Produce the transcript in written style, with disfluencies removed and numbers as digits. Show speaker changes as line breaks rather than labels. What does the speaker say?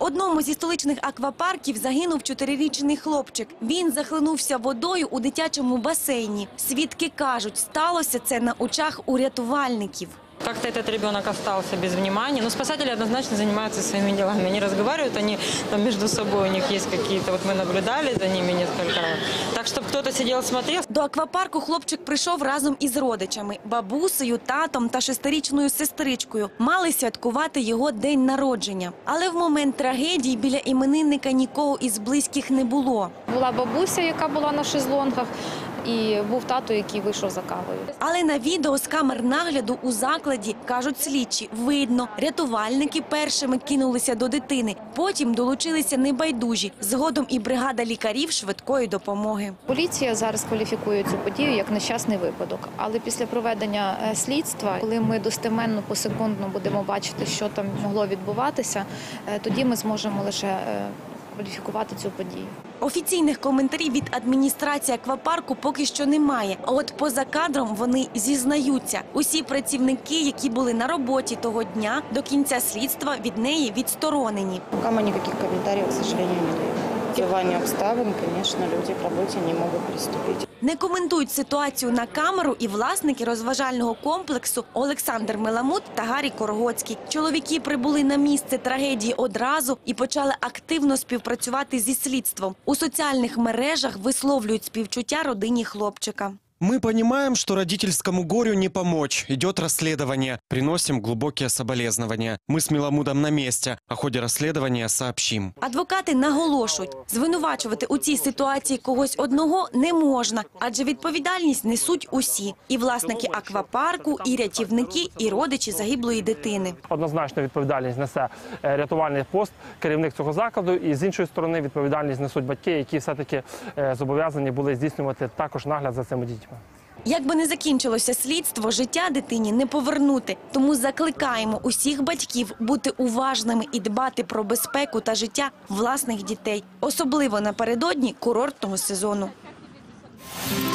одному зі столичних аквапарків загинув 4-річний хлопчик. Він захлинувся водою у дитячому басейні. Свідки кажуть, сталося це на очах у рятувальників.
Как-то этот ребенок остался без внимания. Но спасатели однозначно занимаются своими делами. Они разговаривают, они там между собой, у них есть какие-то, вот мы наблюдали за ними несколько раз. Так, чтобы кто-то сидел, смотрел.
До аквапарку хлопчик прийшов разом із родичами – бабусею, татом та 6-річною сестричкою. Мали святкувати його день народження. Але в момент трагедії біля іменинника нікого із близьких не було.
Була бабуся, яка була на шезлонгах, і був тато, який вийшов за кавою.
Але на відео з камер нагляду у закладі, кажуть слідчі, видно, рятувальники першими кинулися до дитини, потім долучилися небайдужі, згодом і бригада лікарів швидкої допомоги.
Поліція зараз кваліфікує цю подію як нещасний випадок. Але після проведення слідства, коли ми достеменно посекундно будемо бачити, що там могло відбуватися, тоді ми зможемо лише кваліфікувати цю подію.
Офіційних коментарів від адміністрації аквапарку поки що немає. А от поза кадром вони зізнаються. Усі працівники, які були на роботі того дня, до кінця слідства від неї відсторонені.
Пока мы никаких комментариев, к сожалению, не даем. Впливання обставин, конечно, люди к работе не могут приступить.
Не коментують ситуацію на камеру і власники розважального комплексу Олександр Меламут та Гарій Коргоцький. Чоловіки прибули на місце трагедії одразу і почали активно співпрацювати зі слідством. У соціальних мережах висловлюють співчуття родині хлопчика.
Мы понимаем, что родительскому горю не помочь. Идет расследование. Приносим глубокие соболезнования. Мы с Меламудом на месте. О ходе расследования сообщим.
Адвокати наголошують, звинувачувати у цій ситуації когось одного не можна, адже відповідальність несуть усі – і власники аквапарку, і рятівники, і родичі загиблої дитини.
Однозначно відповідальність несе рятувальний пост, керівник цього закладу, і з іншої сторони відповідальність несуть батьки, які все-таки зобов'язані були здійснювати також нагляд за цими дітьми.
Як би не закінчилося слідство, життя дитині не повернути. Тому закликаємо усіх батьків бути уважними і дбати про безпеку та життя власних дітей. Особливо напередодні курортного сезону.